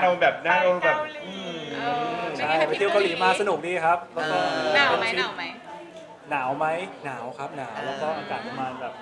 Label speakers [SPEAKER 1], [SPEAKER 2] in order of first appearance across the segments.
[SPEAKER 1] เราแบบหน้าเราแบบ
[SPEAKER 2] ใช่ไปเที่ยวเกาหลีมาสนุกดีครับแล้วก็
[SPEAKER 3] หนาวไหมหนาวไหม
[SPEAKER 2] หนาวไหมหนาวครับหนาวแล้วก็อากาศประมาณแบบ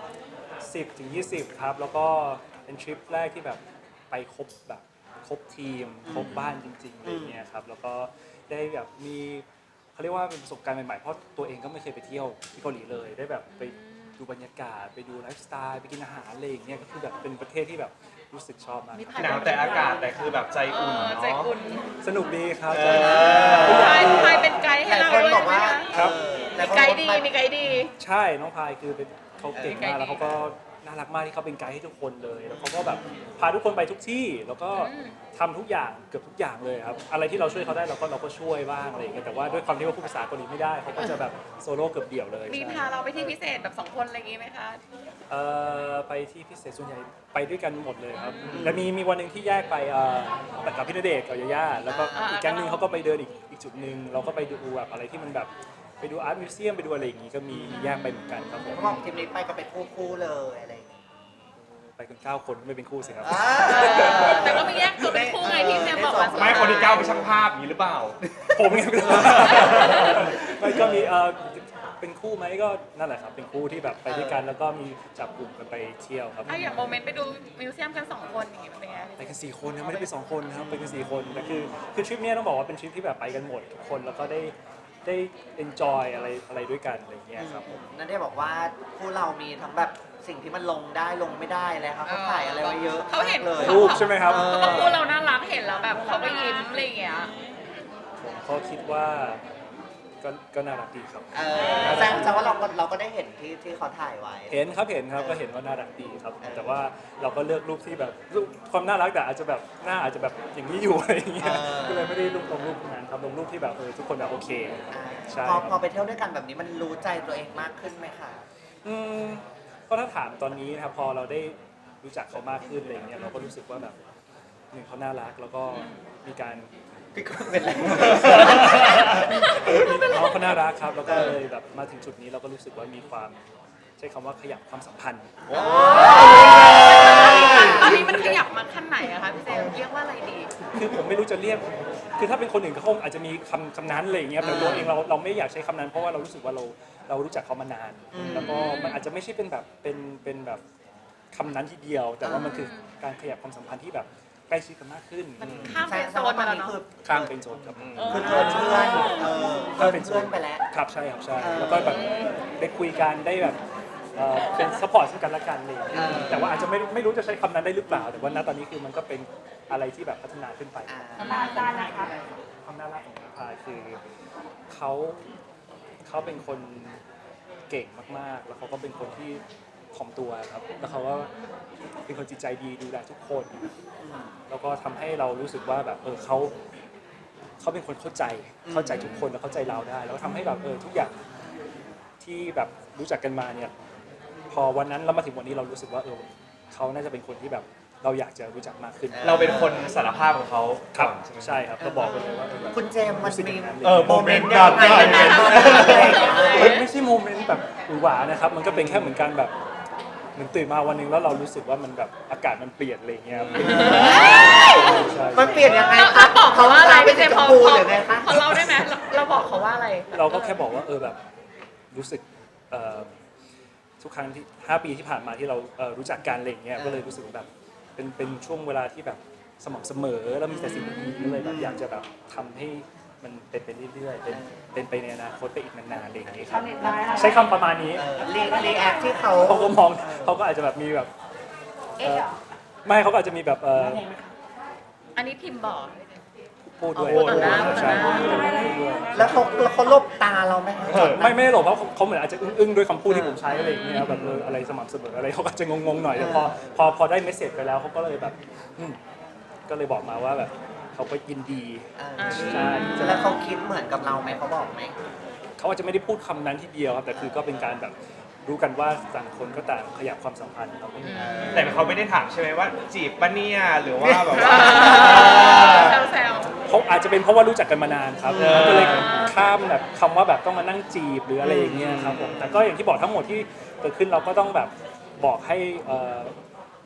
[SPEAKER 2] 10 ถึง 20ครับแล้วก็เป็นทริปแรกที่แบบไปครบทีมครบบ้านจริงๆอะไรเงี้ยครับแล้วก็ได้แบบมีเขาเรียกว่าเป็นประสบการณ์ใหม่ๆเพราะตัวเองก็ไม่เคยไปเที่ยวที่เกาหลีเลยได้แบบไปดูบรรยากาศไปดูไลฟ์สไตล์ไปกินอาหารอะไรอย่างเงี้ยก็คือแบบเป็นประเทศที่แบบรู้สึกชอบมากครับ
[SPEAKER 1] หนาวแต่อากาศแต่คือแบบใจอุ่น
[SPEAKER 3] ใจ
[SPEAKER 1] เนาะ
[SPEAKER 3] อุ่น
[SPEAKER 2] สนุกดีครับ
[SPEAKER 3] พายเป็นไกด์ให้เราด้วยใช่ไหมคะ
[SPEAKER 2] ครับ
[SPEAKER 3] มีไกด์ดีมีไกด์ดี
[SPEAKER 2] ใช่น้องพายคือเป็นเขาเก่งมากแล้วเขาก็น่ารักมากที่เขาเป็นไกด์ให้ทุกคนเลยแล้วเขาก็แบบพาทุกคนไปทุกที่แล้วก็ทำทุกอย่างเกือบทุกอย่างเลยครับอะไรที่เราช่วยเขาได้เราก็ช่วยบ้างอะไรอย่างเงี้ยแต่ว่าด้วยความที่ว่าพูดภาษาเกาหลีไม่ได้เขาก็จะแบบโซโล่เกือบเดี่ยวเลย
[SPEAKER 3] มีพาเราไปที่พิเศษแบบ2 คนอะไรอย่างงี้ไหมคะ
[SPEAKER 2] ไปที่พิเศษส่วนใหญ่ไปด้วยกันหมดเลยครับแต่มีวันหนึ่งที่แยกไปกับพี่ณเดชน์กับยาย่าแล้วก็อีกแก๊งหนึงเขาก็ไปเดินอีกจุดหนึ่งเราก็ไปดูแบบอะไรที่มันแบบไปดูอาร์ตมิวเซียมไปดูอะไรอย่างงี้ก็มีแยกไปเหมือนกันครับผม
[SPEAKER 4] เขาบอกทีมนี้ไปก็เป็นคู่เลยอะไรอย่างงี้
[SPEAKER 2] ไปกัน9 คนไม่เป็นคู่สิครับ
[SPEAKER 3] แต่ก็ไม่แยกตัวเป็นคู่ไงที่เจมบอกว่า
[SPEAKER 1] ไม่คนที่เก้าเป็นช่างภาพอย่างนี้หรือเปล่า
[SPEAKER 2] ผมไงไม่ก็มีเป็นคู่ไหมก็นั่นแหละครับเป็นคู่ที่แบบไปด้วยกันแล้วก็มีจับกลุ่มกันไปเที่ยวครับ
[SPEAKER 3] ถ้าอย่างโมเมนต์ไปดูมิวเซียมกัน2 คนอย่างงี้มันเป็นไง
[SPEAKER 2] ไปกัน4 คนนะไม่ได้ไป2 คนนะครับไปกัน4 คนแต่คือทริปเนี้ยต้องบอกว่าเป็นทริปที่แบบไปกันหมดทุกคนแล้วก็ได้ enjoy อะไรด้วยกันอะไรอย่างเงี้ยครับผม
[SPEAKER 4] นั่นได้บอกว่าคู่เรามีทั้งแบบสิ่งที่มันลงได้ลงไม่ได้เลยครับเขาถ่ายอะไรไว้เยอะ
[SPEAKER 3] เขาเห็น
[SPEAKER 4] มากเลย
[SPEAKER 2] รูปใช่ไหมครับ
[SPEAKER 3] เขาบอกคู่เราน่ารักเห็นแล้วแบบเขาก็ยิ้มอะไรอย่างเงี้ย
[SPEAKER 2] ผมก็คิดว่าก็น่ารักดีครับ
[SPEAKER 4] แสดงว่าเราก็ได้เห็นที่เขาถ่ายไว้
[SPEAKER 2] เห็นครับเห็นครับก็เห็นว่าน่ารักดีครับแต่ว่าเราก็เลือกรูปที่แบบรูปความน่ารักแต่อาจจะแบบหน้าอาจจะแบบอย่างนี้อยู่อะไรอย่างเงี้ยก็เลยไม่ได้ลงรูปนั้นครับลงรูปที่แบบทุกคนแบบโอเคใช่
[SPEAKER 4] พอไปเที่ยวด้วยกันแบบนี้มันรู้ใจตัวเองมากขึ้นไหมคะ
[SPEAKER 2] ก็ถ้าถามตอนนี้นะครับพอเราได้รู้จักเขามากขึ้นอะไรเงี้ยเราก็รู้สึกว่าแบบหนึ่งเขาน่ารักแล้วก็มีการ
[SPEAKER 4] พี่ก็เป็นไร
[SPEAKER 2] น้องเขาน่ารักครับแล้วก็เลยแบบมาถึงจุดนี้เราก็รู้สึกว่ามีความใช้คำว่าขยับความสัมพันธ์
[SPEAKER 3] ตอนนี้มันขยับมาขั้นไหนอะคะพี่เจมเรียกว่าอะไรดี
[SPEAKER 2] คือผมไม่รู้จะเรียกคือถ้าเป็นคนอื่นเขาคงอาจจะมีคำนั้นอะไรอย่างเงี้ยแต่ตัวเองเราไม่อยากใช้คำนั้นเพราะว่าเรารู้สึกว่าเรารู้จักเขามานาน แล้วก็มันอาจจะไม่ใช่เป็นแบบเป็นแบบคำนั้นทีเดียว แต่ว่ามันคือการขยับความสัมพันธ์ที่แบบใกล้ชิดกันมากขึ้น
[SPEAKER 3] มันข้าม
[SPEAKER 4] แส
[SPEAKER 3] เป็น
[SPEAKER 4] ด
[SPEAKER 3] โซ
[SPEAKER 4] ง
[SPEAKER 3] น
[SPEAKER 4] ว่าต
[SPEAKER 3] มา
[SPEAKER 4] อน
[SPEAKER 3] แล้ว
[SPEAKER 4] นี้
[SPEAKER 3] เนาะ
[SPEAKER 4] คือ
[SPEAKER 2] ข้ามเป็นโซนครับ
[SPEAKER 4] คือเกินเพื่อนเกินเพื่อนไปแล้ว
[SPEAKER 2] ครับใช่ครับใช่แล้วก็แบบได้คุยกันได้แบบเป็นซัพพอร์ตซึ่งกันและกันเลยแต่ว่าอาจจะไม่รู้จะใช้คำนั้นได้หรือเปล่า แต่ว่าณตอนนี้คือมันก็เป็นอะไรที่แบบพัฒนาขึ้นไป
[SPEAKER 3] อาจารย์นะคะ
[SPEAKER 2] ความน่ารักของน้องพายคือเขาเป็นคนเก่งมากๆ แล้วเขาก็เป็นคนที่ถ่อมตัวครับแล้วเขาก็เป็นคนจิตใจดีดูแลทุกคนแล้วก็ทำให้เรารู้สึกว่าแบบเขาเป็นคนเข้าใจทุกคนแล้วเข้าใจเราได้ แล้วทำให้แบบทุกอย่างที่แบบรู้จักกันมาเนี่ยพอวันนั้นเรามาถึงวันนี้เรารู้สึกว่าเขาน่าจะเป็นคนที่แบบเราอยากจะรู้จักมากขึ้น
[SPEAKER 1] เราเป็นคนสารภาพของเขา
[SPEAKER 2] ครับ
[SPEAKER 1] ใช่ไหม
[SPEAKER 2] ใช่ครับก็บอกไปเลยว่าแบบ
[SPEAKER 4] คุณเจมส์มันมี
[SPEAKER 1] โมเมนต์
[SPEAKER 4] ยังไง
[SPEAKER 1] กัน
[SPEAKER 2] ไม่ใช่โมเมนต์แบบหวือหวานะครับมันก็เป็นแค่เหมือนกันแบบเหมือนตื่นมาวันหนึงแล้วเรารู้สึกว่ามันแบบอากาศมันเปลี่ยนอะไรอย่างเงี้ยครับใช่
[SPEAKER 4] มันเปลี่ยนยังไง
[SPEAKER 3] เราบอกเขาว่าอะไรพี่เจมพอ
[SPEAKER 4] พูดหรือไงคะ
[SPEAKER 3] เราได้ไหมเราบอกเขาว่าอะไร
[SPEAKER 2] เราก็แค่บอกว่าแบบรู้สึกทุกครั้งที่5 ปีที่ผ่านมาที่เรารู้จักกันอะไรอย่างเงี้ยก็เลยรู้สึกแบบเป็นช่วงเวลาที่แบบสม่ำเสมอแล้วมีแต่สิ่งดีๆก็เลยแบบอยากจะแบบทำให้มันเป็นไปเรื่อยๆเป็นไปในอนาคตไปอีกนานๆอะไรอย่างเงี้ยครับใช้คำประมาณนี้
[SPEAKER 4] รีแอคที่เขา
[SPEAKER 2] เขาก็มองเขาก็อาจจะแบบมีแบบไม่เขาก็อาจจะมีแบบ
[SPEAKER 3] อันนี้พิมพ์บอก
[SPEAKER 2] พูดด้วย
[SPEAKER 3] พูดต่อหน้า
[SPEAKER 2] ใช่
[SPEAKER 3] ต่อหน้า
[SPEAKER 2] พูดด้วย
[SPEAKER 4] แล้วเขาลบตาเราไหมคะ
[SPEAKER 2] ไม่ได้หรอกเพราะเขาเหมือนอาจจะอึ้งๆด้วยคำพูดที่ผมใช้อะไรอย่างเงี้ยแบบอะไรสม่ำเสมออะไรเขาก็จะงงๆหน่อยแต่พอได้เมสเซจไปแล้วเขาก็เลยแบบก็เลยบอกมาว่าแบบเขาก็ยินดีใช่
[SPEAKER 4] แล้วเขาคิดเหมือนกับเราไหมเขาบอกไหม
[SPEAKER 2] เขาอาจจะไม่ได้พูดคำนั้นทีเดียวครับแต่คือก็เป็นการแบบรู้กันว่าต่างคนก็ต่างขยับความสัมพันธ์ครับ
[SPEAKER 1] แต่เขาไม่ได้ถามใช่ไหมว่าจีบปะเนี่ยหรือว่าแบบว่า
[SPEAKER 3] แซว
[SPEAKER 2] เขาอาจจะเป็นเพราะว่ารู้จักกันมานานครับก็เลยข้ามแบบคำว่าแบบต้องมานั่งจีบหรืออะไรอย่างเงี้ยครับผมแต่ก็อย่างที่บอกทั้งหมดที่เกิดขึ้นเราก็ต้องแบบบอกให้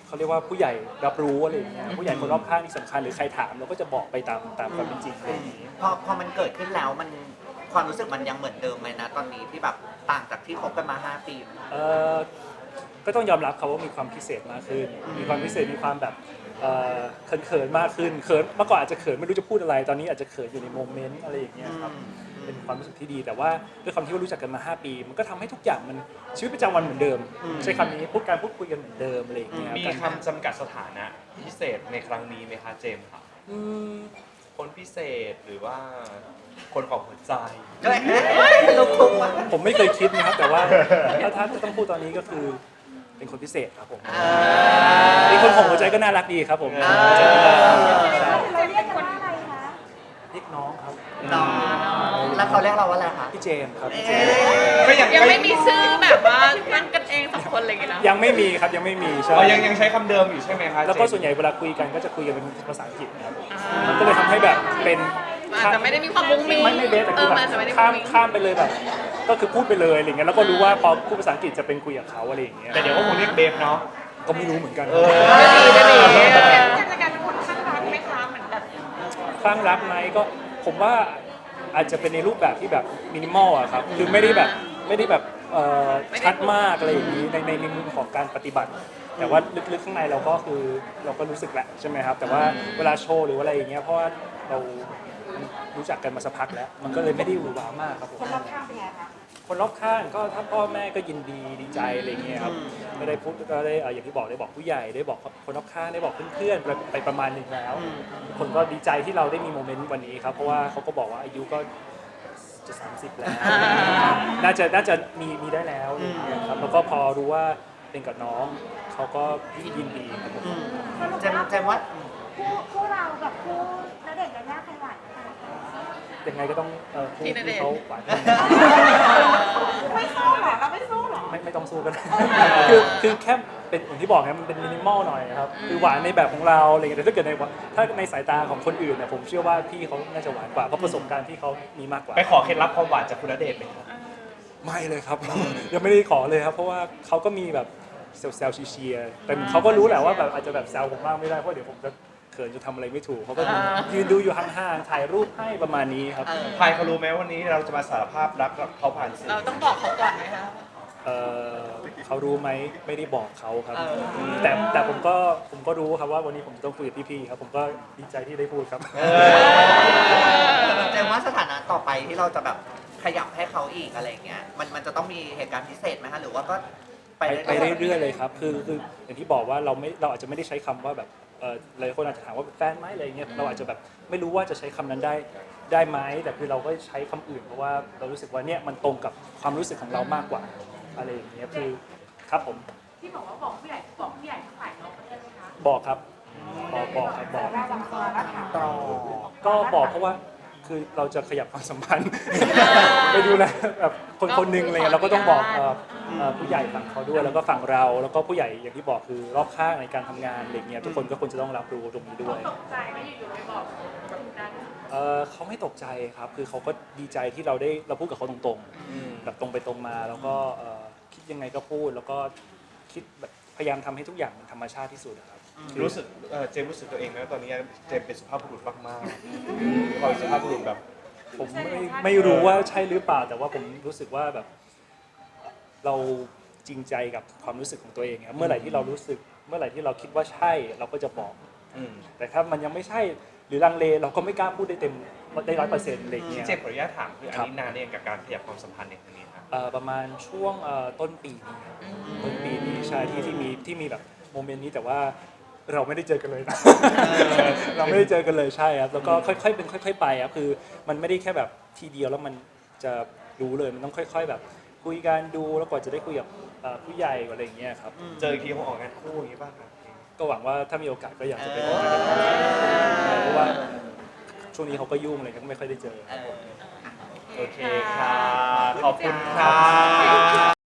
[SPEAKER 2] เขาเรียกว่าผู้ใหญ่รับรู้อะไรอย่างเงี้ยผู้ใหญ่คนรอบข้างที่สำคัญหรือใครถามเราก็จะบอกไปตามความเป็นจริงอะไรอย่างงี้
[SPEAKER 4] พอมันเกิดขึ้นแล้วมันความรู้สึกมันยังเหมือนเดิมไหมนะตอนนี้ที่แบบต่างจากที่คบกันมา 5 ปี
[SPEAKER 2] ก็ต้องยอมรับเขาว่ามีความพิเศษมากขึ้น มีความพิเศษมีความแบบเขินๆมากขึ้นเขินเมื่อก่อนอาจจะเขินไม่รู้จะพูดอะไรตอนนี้อาจจะเขินอยู่ในโมเมนต์อะไรอย่างเงี้ยครับเป็นความรู้สึกที่ดีแต่ว่าด้วยความที่ว่ารู้จักกันมา 5 ปี มันก็ทำให้ทุกอย่างมันชีวิตประจำวันเหมือนเดิมใช้คำนี้พูดคุยกันเหมือนเดิมอะไรอย่างเงี้ย
[SPEAKER 1] มีคำจำกัดสถานะพิเศษในครั้งนี้ไหมคะเจมส์ค่ะ คนพิเศษหรือว่าคนของหัวใจ
[SPEAKER 4] ลูกทุ่งมา
[SPEAKER 2] ผมไม่เคยคิดนะครับแต่ว่าถ้าจะต้องพูดตอนนี้ก็คือเป็นคนพิเศษครับผมเป็นคนของหัวใจก็น่ารักดีครับผมหัวใจก็น่ารักดีใช่
[SPEAKER 5] เราเรียกกันว่าอะไรคะ
[SPEAKER 2] เรียกน้องครับ
[SPEAKER 4] น้องแล้วเขาเรียกเราว่าอะไรคะ
[SPEAKER 2] พี่เจมส์ครับ
[SPEAKER 1] ก็ยัง
[SPEAKER 3] ยังไม่มีชื่อแบบว่าตั้งกันเองสองคนอะไรอย่างเงี้ยนะ
[SPEAKER 2] ยังไม่มีครับยังไม่มีใช่
[SPEAKER 1] อ๋อยังใช้คำเดิมอยู่ใช่ไหมคะ
[SPEAKER 2] แล้วก็
[SPEAKER 1] เจมส์
[SPEAKER 2] ส่วนใหญ่เวลาคุยกันก็จะคุยกันเป็นภาษาอังกฤษนะครับมันก็เลยทำให้แบบเป็น
[SPEAKER 3] อาจจะไม่ได้มีความมุ้งมิ้ง
[SPEAKER 2] ไม่เบสแต่คือ
[SPEAKER 3] มั
[SPEAKER 2] แบ
[SPEAKER 3] นอาจจะไม่ได้
[SPEAKER 2] บ
[SPEAKER 3] มุ้งมิ้ง
[SPEAKER 2] ข้ามไปเลยแบบก็คือพูดไปเลยอะไรเงี้ยแล้วก็รู้ว่าพอพูดภาษาอังกฤษจะเป็นคุยกับเขาอะไรอย่างเงี้ย
[SPEAKER 1] แต่เดี๋ยวก็คงเรียกเบฟเนาะ
[SPEAKER 2] ก็ไม่รู้เหมือนกัน
[SPEAKER 3] จะดี
[SPEAKER 5] เจมส์จะกลายเป็นคนข้างรักไหมคะเหมือนแบบ
[SPEAKER 2] คลั่งรักไหมก็ผมว่าอาจจะเป็นในรูปแบบที่แบบมินิมอลอะครับคือไม่ได้แบบชัดมากอะไรอย่างนี้ในมุมของการปฏิบัติ แต่ว่าลึกๆข้างในเราก็คือเราก็รู้สึกแหละใช่ไหมครับแต่ว่าเวลาโชว์หรือว่าอะไรอย่างเงี้ยเพราะว่าเรารู้จักกันมาสักพักแล้ว มันก็เลยไม่ได้หวือหวามากครับผม
[SPEAKER 5] คนรอบข้างเป็นไงคะ
[SPEAKER 2] คนรอบข้างก็ถ้าพ่อแม่ก็ยินดีใจอะไรเงี้ยครับก็ได้พูดก็ได้อย่างที่บอกได้บอกผู้ใหญ่ได้บอกคนรอบข้างได้บอกเพื่อนๆไปประมาณหนึ่งแล้วคนก็ดีใจที่เราได้มีโมเมนต์วันนี้ครับเพราะว่าเขาก็บอกว่าอายุก็จะ30แล้วน่าจะมีได้แล้วอะไรเงี้ยครับแล้วก็พอรู้ว่าเป็นกับน้องเขาก็ยินดีครับผม
[SPEAKER 4] แจมว่า
[SPEAKER 5] คู่เรากับคู่ณเดชน์ยายาใครหวานกัน
[SPEAKER 2] ยังไงก็ต้องพูดที่เขาหวาน
[SPEAKER 5] ไม่สู้เหรอเราไม่สู้เหรอ
[SPEAKER 2] ไม่ต้องสู้กัน คือแค่เป็นอย่างที่บอกนะมันเป็นมินิมอลหน่อยครับคือหวานในแบบของเราอะไรเงี้ยแต่ถ้าเกิดถ้าในสายตาของคนอื่นเนี่ยผมเชื่อว่าพี่เขาน่าจะหวานกว่าเพราะประสบการณ์ที่เขามีมากกว่า
[SPEAKER 1] ไปขอเคล็ดลับความหวานจากคุณณเดชน์ไหมครับ
[SPEAKER 2] ไม่เลยครับ ยังไม่ได้ขอเลยครับเพราะว่าเขาก็มีแบบแซวๆเชียร์แต่เขาก็รู้แหละว่าแบบอาจจะแบบแซวผมมากไม่ได้เพราะเดี๋ยวผมจะเขินจะทำอะไรไม่ถูกเขาก็ยืนดูอยู่ห่างๆถ่ายรูปให้ประมาณนี้ครับ
[SPEAKER 1] พายเขารู้ไหมวันนี้เราจะมาสารภาพรักกับเขาผ่านสื่อ
[SPEAKER 3] เราต้องบอกเขาก่อนไหมคะ
[SPEAKER 2] เขารู้ไหมไม่ได้บอกเขาครับแต่ผมก็รู้ครับว่าวันนี้ผมจะต้องคุยกับพี่ๆครับผมก็ดีใจที่ได้พูดครับ
[SPEAKER 4] แจมว่าสถานะต่อไปที่เราจะแบบขยับให้เขาอีกอะไรอย่างเงี้ยมันจะต้องมีเหตุการณ์พิเศษไหมคะหรือว่าก็ไป
[SPEAKER 2] ไปเรื่อยๆเลยครับคืออย่างที่บอกว่าเราอาจจะไม่ได้ใช้คำว่าแบบหลายคนอาจจะถามว่าเป็นแฟนไหมอะไรเงี้ยเราอาจจะแบบไม่รู้ว่าจะใช้คำนั้นได้ไหมแต่คือเราก็ใช้คำอื่นเพราะว่าเรารู้สึกว่าเนี่ยมันตรงกับความรู้สึกของเรามากกว่าอะไรอย่างเงี้ยคือครับผม
[SPEAKER 5] ที่บอกว่าบอกผู้ใหญ่ทั้งฝ่ายน้องเขาได้ไหมคะ
[SPEAKER 2] บอกครับบอกครับบอก
[SPEAKER 5] เราบังคับแล้วถามต่อ
[SPEAKER 2] ก็บอกเพราะว่าคือเราจะขยับความสัมพันธ์ ไปดูแลแบบคนหนึงอะไรเงี้ยเราก็ต้องบอกผู้ใหญ่ฝั่งเขาด้วยแล้วก็ฝั่งเราแล้วก็ผู้ใหญ่อย่างที่บอกคือรอบข้างในการทำงานอะไรเงี้ยทุกคนก็ควรจะต้องรับรู้ตรงนี้ด้วย
[SPEAKER 5] ตกใจไม่อยู่ๆไปบอกแบบนั้น
[SPEAKER 2] เขาไม่ตกใจครับคือเขาก็ดีใจที่เราพูดกับเขาตรงๆแบบตรงไปตรงมาแล้วก็คิดยังไงก็พูดแล้วก็คิดแบบพยายามทำให้ทุกอย่างมันธรรมชาติที่สุดนะครับ
[SPEAKER 1] รู้สึกเจมส์รู้สึกตัวเองไหมว่าตอนนี้เจมส์เป็นสุภาพบุรุษมากๆเราเป็นสุภาพบุรุษแบบ
[SPEAKER 2] ผมไม่รู้ว่าใช่หรือเปล่าแต่ว่าผมรู้สึกว่าแบบเราจริงใจกับความรู้สึกของตัวเองครับเมื่อไหร่ที่เรารู้สึกเมื่อไหร่ที่เราคิดว่าใช่เราก็จะบอกแต่ถ้ามันยังไม่ใช่หรือลังเลเราก็ไม่กล้าพูดได้ได้100%อะไรอย่างเงี้ย
[SPEAKER 1] เจมส์ขออนุญาตถามคืออันนี้นานเนี่ยงกับการขยับความสัมพันธ์ในครั้งนี้ครับ
[SPEAKER 2] ประมาณช่วงต้นปีนี้ครับต้นปีนี้ใช่ที่มีแบบโมเมนต์นี้แต่ว่าเราไม่ได้เจอกันเลยนะ เราไม่ได้เจอกันเลยใช่ครับแล้วก็ค่อยๆเป็นค่อยๆไปครับคือมันไม่ได้แค่แบบทีเดียวแล้วมันจะรู้เลยมันต้องค่อยๆแบบคุยกันดูแล้วกว่าจะได้คุยกับผู้ใหญ่อะไรอย่างเงี้ยครับ
[SPEAKER 1] เจออีกทีคงออกงานคู่อย่างนี้ป่ะครับ
[SPEAKER 2] ก็หวังว่าถ้ามีโอกาสก็อยากจะไปออกงานกันเพราะว่าช่วงนี้เขาก็ยุ่งเลยก็ไม่ค่อยได้เจอ
[SPEAKER 1] โอเคค่ะขอบคุณค่ะ